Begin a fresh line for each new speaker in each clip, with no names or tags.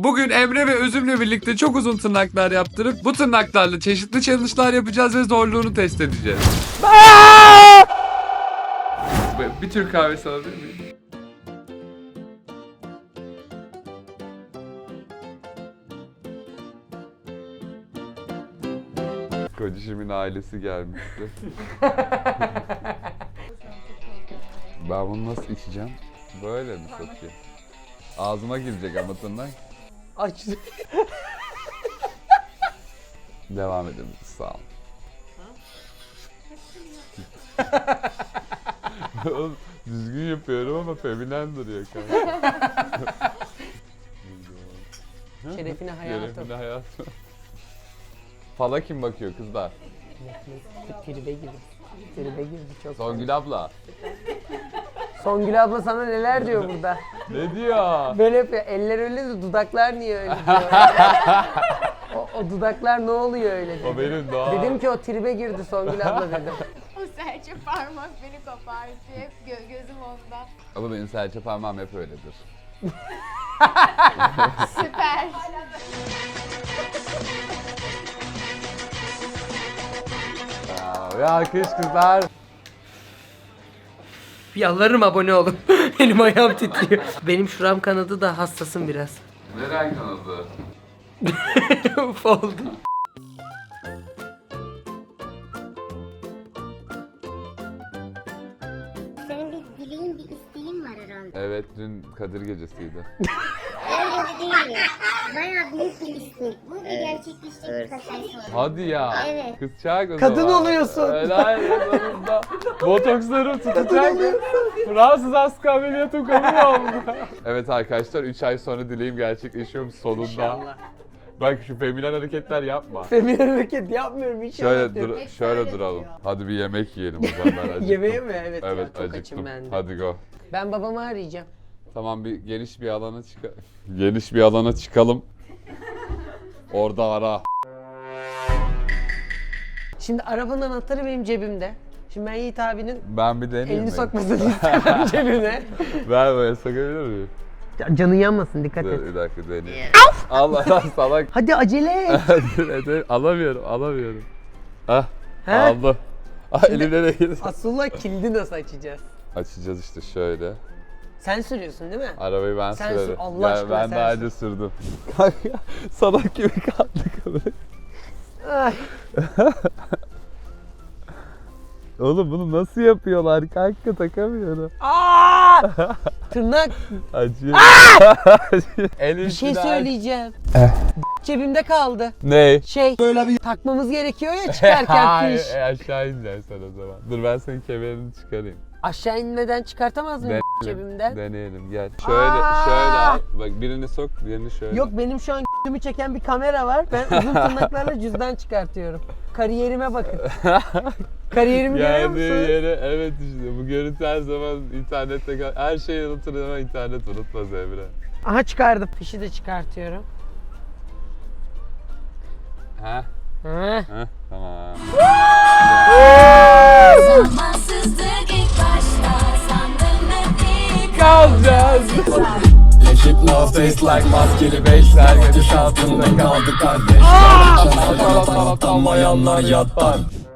Bugün Emre ve Özüm'le birlikte çok uzun tırnaklar yaptırıp bu tırnaklarla çeşitli challenge'lar yapacağız ve zorluğunu test edeceğiz. Bir Türk kahvesi alabilir miyim? Kocişimin ailesi gelmişti. Ben bunu nasıl içeceğim? Böyle mi sokayım? Ağzıma girecek ama tırnak.
Aç.
Devam edelim. Sağ ol. Oğlum, düzgün yapıyorum ama feminen duruyor kanka.
Şerefine hayatım.
Şerefine hayatım. Fala kim bakıyor kızlar?
Tribe girdi. Tribe girdi çok.
Songül abla.
Songül abla sana neler diyor burada?
Ne diyor?
Böyle yapıyor. Eller öyle de dudaklar niye öyle diyor. o dudaklar ne oluyor öyle dedi.
O benim daha.
Dedim ki o tribe girdi Songül abla dedim.
O serçe parmak beni kopartıyor. Hep gözüm onda.
Ama benim serçe parmağım hep öyledir.
Süper.
Ve alkış kızlar.
Yalvarırım abone olun. Elim ayağım titriyor. Benim şuram kanadı da hassasım biraz.
Neren kanadı?
Uf oldum.
Senin bir dileğin, bir isteğin var herhalde.
Evet, dün Kadir gecesiydi.
Öyle değil. Bayağı büyük bir istek. Bu bir gerçekleşecek birkaç ay sonra.
Hadi ya.
Evet.
Kızcak o
Kadın
zaman.
oluyorsun.
Helal yanımda. Botokslarım tutacak. Fransız askı ameliyatım kabul oldu. Evet arkadaşlar 3 ay sonra dileğim gerçekleşiyor sonunda.
İnşallah.
Bak şu feminen hareketler yapma.
Feminen hareket yapmıyorum inşallah.
Şöyle
diyorum.
şöyle duralım. Hadi bir yemek yiyelim o zaman ben acıktım.
Yemeğe mi? Evet,
Evet
ya, çok açım
acıktım.
ben de.
Hadi go.
Ben babamı arayacağım.
Tamam bir geniş bir alana geniş bir alana çıkalım. Orada ara.
Şimdi arabanın anahtarı benim cebimde. Şimdi ben Yiğit abinin
Ben bir deneyeyim
elini
mi?
sokmasını istemem cebime.
Ver böyle sokabilir miyim?
Canın yanmasın, dikkat et.
Dur bir dakika deneyeyim. Allah lan salak.
Hadi acele et.
Alamıyorum. Ah
He?
aldım. Ah elimde değil.
Asıllar kilidi nasıl açacağız?
Açacağız işte şöyle.
Sen sürüyorsun değil mi?
Arabayı ben
Sen
sürerim.
sür, Allah aşkına
ben
sen
daha
sür.
önce sürdüm. Kanka salak gibi kaldık.
Ay.
Oğlum bunu nasıl yapıyorlar kanka takamıyorum.
Aa! Tırnak.
Acıyor. Elim
Bir şey
biraz-
söyleyeceğim. Cebimde kaldı.
Ne?
Böyle bir takmamız gerekiyor ya çıkarken
Hayır,
fiş.
aşağı ineceksin sen o zaman. Dur ben senin kemerini çıkarayım.
Aşağı inmeden çıkartamaz mıyım cebimden?
Deneyelim gel. Şöyle
Aa!
şöyle al. Bak birini sok, diğerini şöyle.
Yok benim şu an g***ümü çeken bir kamera var. Ben uzun tırnaklarla cüzdan çıkartıyorum. Kariyerime bakın. Kariyerimi görüyor
Geldiği
musunuz?
yere evet işte bu görüntü her zaman internette her şeyi unutur ama internet unutmaz Emre.
Aha çıkardım. Fişi de çıkartıyorum.
Ha?
Ha.
Ha? Tamam.
Zamansızlık ilk başta sandım hep
Kalacağız.
Keep no face like maskeli beşler Gediş altında kaldı kardeş Atamayanlar yatlar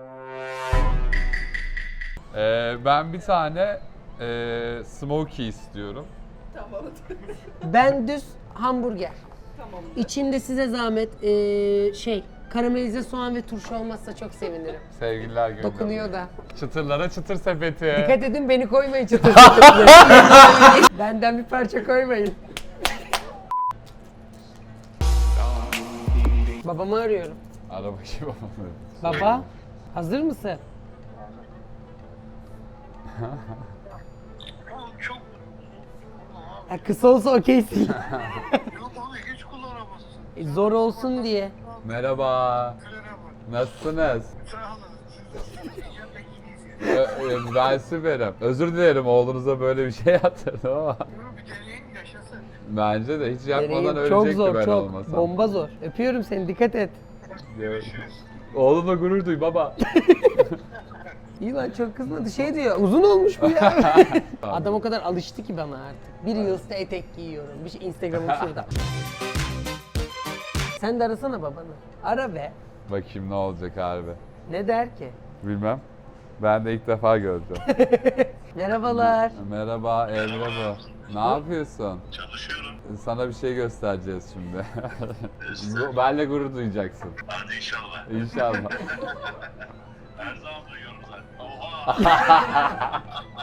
Ben bir tane smoky istiyorum.
Ben düz hamburger. İçinde size zahmet karamelize soğan ve turşu olmazsa çok sevinirim.
Sevgililer günü.
Dokunuyor da.
Çıtırlara çıtır sepeti.
Dikkat edin beni koymayın çıtır. Benden bir parça koymayın. Babamı arıyorum.
Ara bakayım babamı.
Baba, hazır mısın? Ya kısa olsa okeysin.
Yok abi hiç kullanamazsın.
Zor olsun diye.
Merhaba. Nasılsınız?
Sağ olun. Yemek
Ben süperim. Özür dilerim oğlunuza böyle bir şey yaptırdım ama.
bir deneyin yaşasın.
Bence de hiç yapmadan
Deneyim. Çok
ölecekti
zor,
ben
çok.
olmasam.
Bomba zor. Öpüyorum seni, dikkat et.
Oğlumla gurur duy baba.
İyi lan çok kızmadı. Şey diyor, uzun olmuş bu ya. Adam o kadar alıştı ki bana artık. Bir yılda etek giyiyorum. Bir şey Instagram'ım şurada. Sen de arasana babanı. Ara be.
Bakayım ne olacak harbi.
Ne der ki?
Bilmem. Ben de ilk defa göreceğim.
Merhabalar.
Merhaba Emre bu. Ne yapıyorsun?
Çalışıyorum.
Sana bir şey göstereceğiz şimdi. Benle gurur duyacaksın.
Hadi inşallah.
İnşallah.
Her zaman duyuyorum zaten. Oha.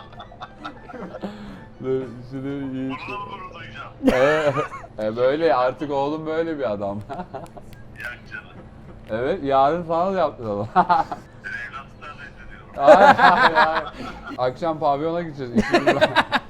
Dur, şunu iyi.
Burada mı gurur duyacağım?
Böyle artık oğlum böyle bir adam.
Yak canım.
Evet yarın falan yaptıralım.
Seni evlatlıktan reddediyorum.
Hayır, hayır, hayır. Akşam pavyona gideceğiz ikimiz de.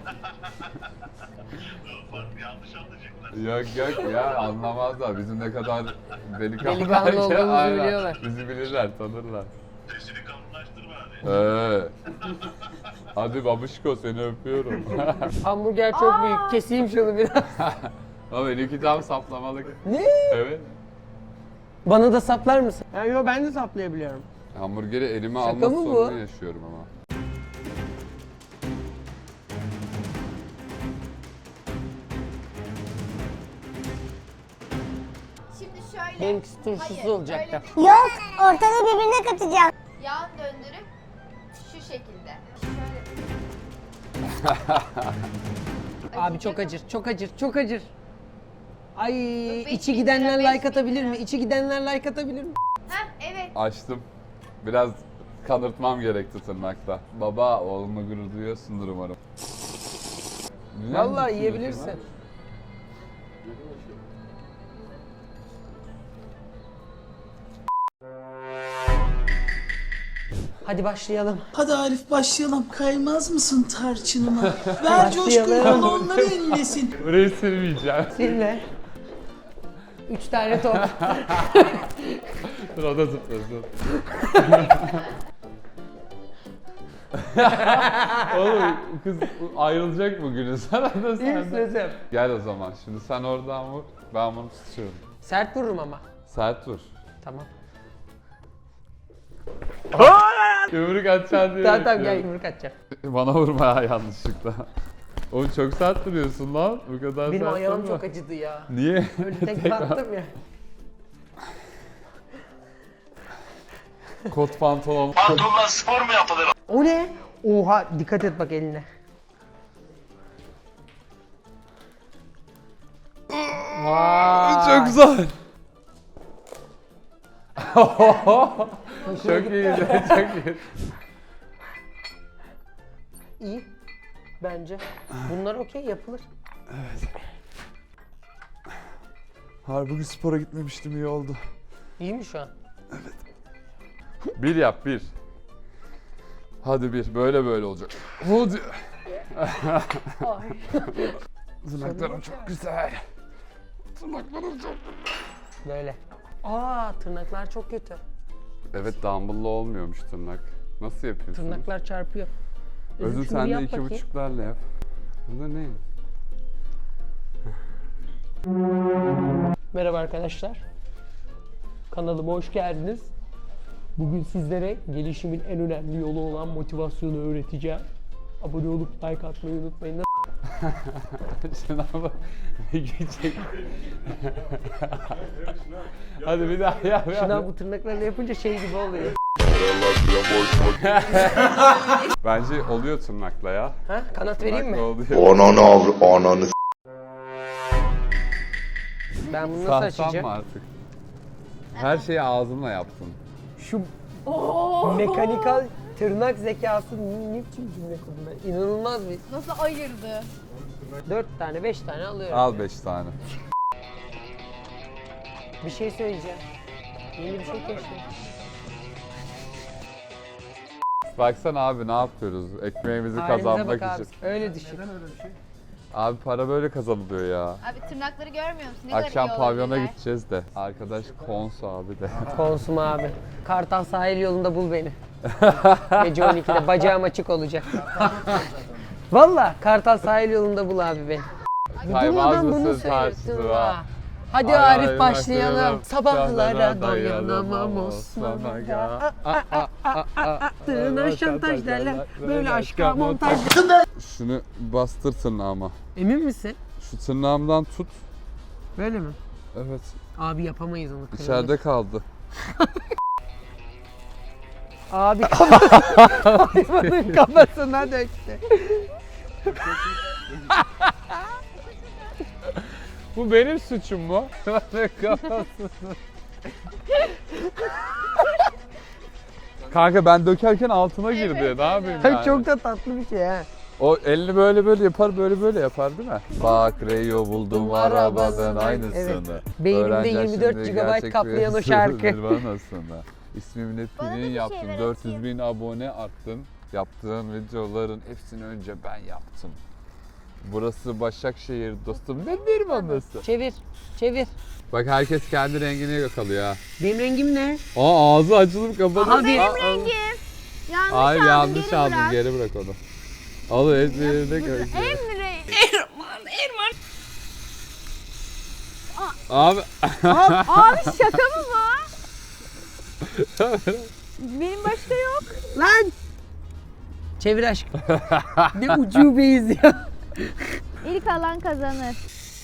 Bak yanlış anlayacaklar.
Yok ya anlamazlar. Bizim ne kadar delikanlı,
Delikanlı olduğumuzu
Aynen.
biliyorlar.
Bizi bilirler, tanırlar.
Sesini kalınlaştırma hadi.
Hadi babuşko seni öpüyorum.
Hamburger çok büyük. Keseyim şunu biraz.
Ama benimki tam saplamalık.
Ne?
Evet.
Bana da saplar mısın? Yo ben de saplayabiliyorum.
Hamburgeri elime
Şaka
alma
mı bu?
sorunu yaşıyorum ama.
Şimdi şöyle.
Benimkisi turşusuz
Hayır,
olacaktı.
öyle değil.
Yok, ortalığı birbirine katacağım.
Yan döndürüp şu şekilde. Şöyle.
Abi çok acır, çok acır, çok acır. Ay
Beş
içi
bin
gidenler
lira,
like
5.000
atabilir mi?
lira.
İçi gidenler like atabilir mi?
Heh, evet.
Açtım. Biraz kanırtmam gerekti tırnakta. Baba oğlumla gurur duyuyorsundur umarım. Güzel
Vallahi
mi
yiyebilirsin.
düşünüyorsun
Hadi başlayalım.
Hadi Arif başlayalım. Kaymaz mısın tarçınıma? Ver coşkuyu
Başlayalım.
bana onları ellesin.
ha? Burayı silmeyeceğim.
Silme. 3 tane top.
Dur o da zıplasın. Oğlum kız ayrılacak bugünü sana da
İyi
sen
misin
de.
Özlem?
Gel o zaman. Şimdi sen oradan vur. Ben bunu tutuyorum.
Sert vururum ama.
Sert vur.
Tamam.
Yumruk atacaksın diye
Tamam gel
bekliyorum.
yumruk atacağım.
Bana vurma ya yanlışlıkla. Oğlum çok sert duruyorsun lan. Bu kadar
Benim
sert
ayağım
durma.
çok acıdı ya.
Niye?
Öyle tek battım ya.
Kot pantolon.
Pantolonla spor mu yapılır?
O ne? Oha dikkat et bak eline. Vay.
Çok güzel. Çok iyiydi, çok iyi.
İyi. Bence. Bunlar okey yapılır.
Harbi bugün spora gitmemiştim iyi oldu.
İyi mi şu an?
Bir yap bir. Hadi bir. Böyle böyle olacak. Hadi.
Ay.
Tırnaklarım çok güzel. Tırnaklarım çok
Böyle. Aa tırnaklar çok kötü.
Evet dumbbell'la olmuyormuş tırnak. Nasıl yapıyorsun?
Tırnaklar çarpıyor.
Özür
şunu
sen de
yap
2,5'larla yap. Bu da ne?
Merhaba arkadaşlar. Kanalıma hoş geldiniz. Bugün sizlere gelişimin en önemli yolu olan motivasyonu öğreteceğim. Abone olup like atmayı unutmayın.
Şuna bak. Geçecek. Hadi bir daha yap.
Şuna bu tırnaklarla yapınca şey gibi oluyor.
Bence oluyor tırnakla ya.
Ha? Kanat vereyim mi?
Tırnakla oluyor.
Ananı
Ben bunu nasıl
Sahtan
açacağım?
mı artık? Her şeyi ağzınla yaptın.
Şu mekanikal tırnak zekası ne biçim cümle kurdum ben? İnanılmaz bir.
Nasıl ayırdı?
4 tane 5 tane alıyorum.
Al 5 tane.
Bir şey söyleyeceğim. Yeni bir şey keşfettim.
Baksana abi ne yapıyoruz? Ekmeğimizi
Halimize
kazanmak
bak abi.
için.
Öyle düşün.
Abi para böyle kazanılıyor ya.
Abi tırnakları görmüyor musun? Ne kadar
Akşam
iyi
pavyona
olabilirler.
gideceğiz de. Arkadaş Konsu abi de.
Konsum abi. Kartal sahil yolunda bul beni. Gece 12'de bacağım açık olacak. Valla Kartal sahil yolunda bul abi beni.
Kaymaz
Durmadan bunu
mısın
söylüyorsun
tartışma?
ha. Hadi
Ay,
Arif
ay,
başlayalım.
başlayalım.
Sabahlara dayanamam Osman Aga. Tırnağa şantaj derler. Böyle aşka montaj.
Şunu bastır tırnağıma.
Emin misin?
Şu tırnağımdan tut.
Böyle mi?
Evet.
Abi yapamayız onu. kırılır.
İçeride kaldı.
Abi hayvanın kafasına döktü.
Bu benim suçum mu? Kanka ben dökerken altına girdi. Ne yapayım yani?
Çok da tatlı bir şey ha.
O elini böyle yapar, böyle yapar değil mi? Bak Reyo buldum arabanın aynısını.
Evet. Beynimde
Öğreneceğim
24
şimdi
GB
gerçek
kaplayan o
bir
şarkı.
Nirvana'sını. İsmimle
Bana da bir
pinin
şey
yaptım.
ver,
400 bin abone arttın. Yaptığın videoların hepsini önce ben yaptım. Burası Başakşehir dostum. Ne Nirvana'sı?
Çevir. Çevir.
Bak herkes kendi rengini yakalıyor ha.
Benim rengim ne?
Aa ağzı açılıp kapadı.
Aha, benim
Rengim. Yanlış
Hayır
aldın,
yanlış
geri
aldın,
bırak.
geri bırak onu. Al ezberinde koy.
Emre.
Abi
Abi şaka mı bu? Benim başka yok.
Lan! Çevir aşkım. Ne ucubeyiz ya.
İlk alan kazanır.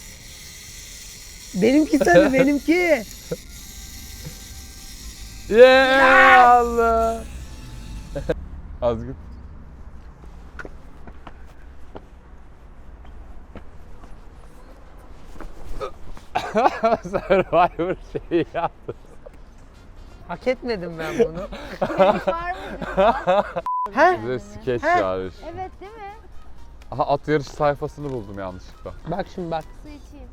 Benimki tabii benimki.
yeah, Allah. Az git. Survivor şeyi yaptı.
Hak etmedim ben bunu.
Var mı?
He?
Bize skeç
He.
yarış.
Evet değil mi?
Aha at yarış sayfasını buldum yanlışlıkla.
Bak şimdi bak.
Su içeyim.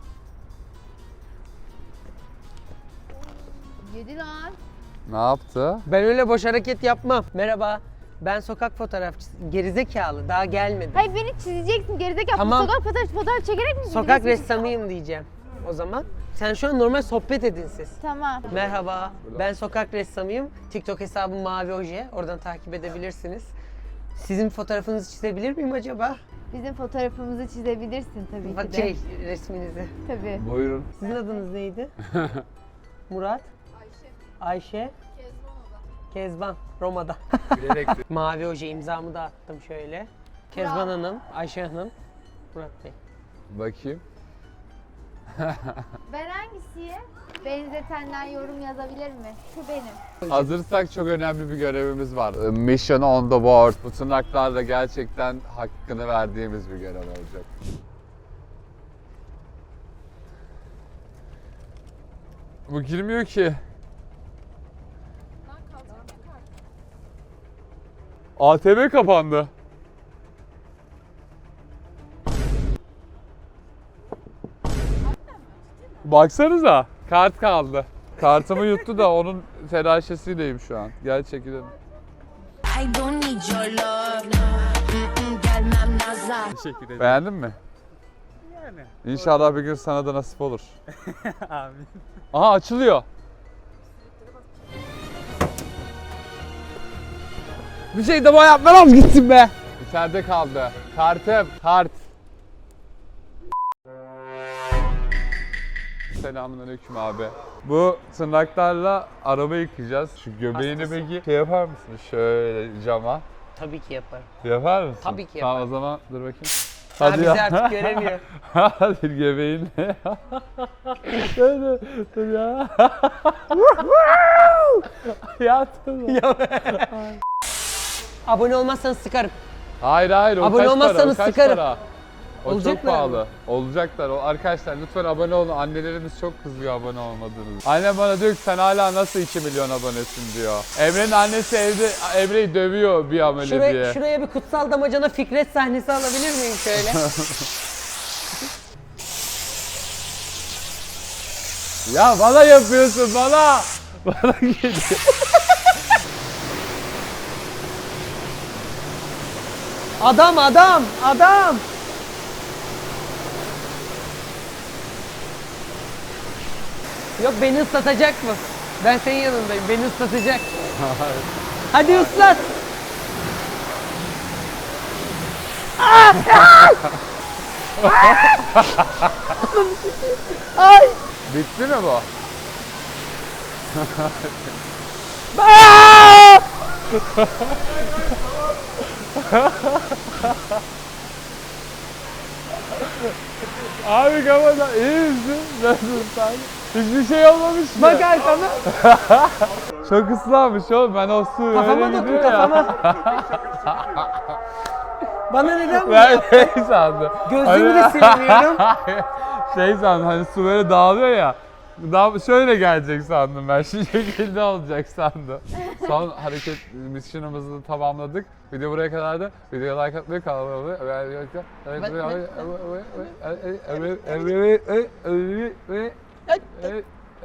Yedi lan.
Ne yaptı?
Ben öyle boş hareket yapmam. Merhaba. Ben sokak fotoğrafçısı. Gerizekalı. Daha gelmedi.
Hayır beni çizeceksin gerizekalı.
Tamam.
Sokak fotoğraf çekerek mi?
Sokak
gidiyorsun?
ressamıyım diyeceğim. O zaman sen şu an normal sohbet edin siz.
Tamam.
Merhaba. Ben sokak ressamıyım. TikTok hesabım Mavi Oje. Oradan takip edebilirsiniz. Sizin fotoğrafınızı çizebilir miyim acaba?
Bizim fotoğrafımızı çizebilirsin tabii
Bak
ki de.
resminizi.
Tabii.
Buyurun.
Sizin adınız neydi? Murat? Ayşe. Kezban. Roma'da. Mavi Oje imzamı da attım şöyle. Kezban Hanım, Ayşe Hanım, Murat Bey.
Bakayım.
Ben hangisiyim? Benzetenden yorum yazabilir mi? Şu benim.
Hazırsak çok önemli bir görevimiz var. Mission on the board. Bu tırnaklarla gerçekten hakkını verdiğimiz bir görev olacak. Bu girmiyor ki. ATM kapandı. Baksanıza. Kart kaldı. Kartımı yuttu da onun telaşesiyleyim şu an. Gel çekilelim.
I don't need your love. Gelmem nazar.
Beğendin mi? Yani. İnşallah bir gün sana da nasip olur.
Amin.
Aha açılıyor. Bir şey de yapmam gitsin be. İçeride kaldı. Kartım. Kart. Selamünaleyküm abi. Bu tırnaklarla araba yıkayacağız. Şu göbeğini peki şey yapar mısın? Şöyle cama.
Tabii ki yaparım.
Yapar mısın?
Tabii ki
Tamam o
yaparım.
zaman dur bakayım.
Hadi bizi artık göremiyor.
Hadi göbeğinle. Şöyle dur ya. Yattın mı?
Abone olmazsanız sıkarım.
Hayır o
Abone
kaç para? O
olmazsanız
kaç
sıkarım.
para? O çok
Olacaklar
pahalı.
mı?
Olacaklar. Arkadaşlar lütfen abone olun. Annelerimiz çok kızıyor abone olmadığınız. Annem bana diyor ki sen hala nasıl 2 milyon abonesin diyor. Emre'nin annesi evde Emre'yi dövüyor bir amele diye.
Şuraya bir kutsal damacana Fikret sahnesi alabilir miyim şöyle?
Ya bana yapıyorsun bana. Bana geliyor.
Adam! Yok beni ıslatacak mı? Ben senin yanındayım. Beni ıslatacak. Hadi ıslat. Ay!
Bitti mi bu? Abi kafada iyi misin? Nasılsın sen? Hiçbir şey olmamış mı?
Bak arkana.
Çok ıslanmış oğlum, ben o su
Kafama
öyle
dokun
gidiyor ya.
kafama. Bana neden bu
Ben
ya?
şey sandım.
Gözlüğümü de silemiyorum.
Şey sandım, hani su böyle dağılıyor ya. Şöyle gelecek sandım ben, şu şekilde olacak sandım. Son hareket mission'ımızı tamamladık. Video buraya kadardı. Videoya like atmayı, kanalıma abone olmayı.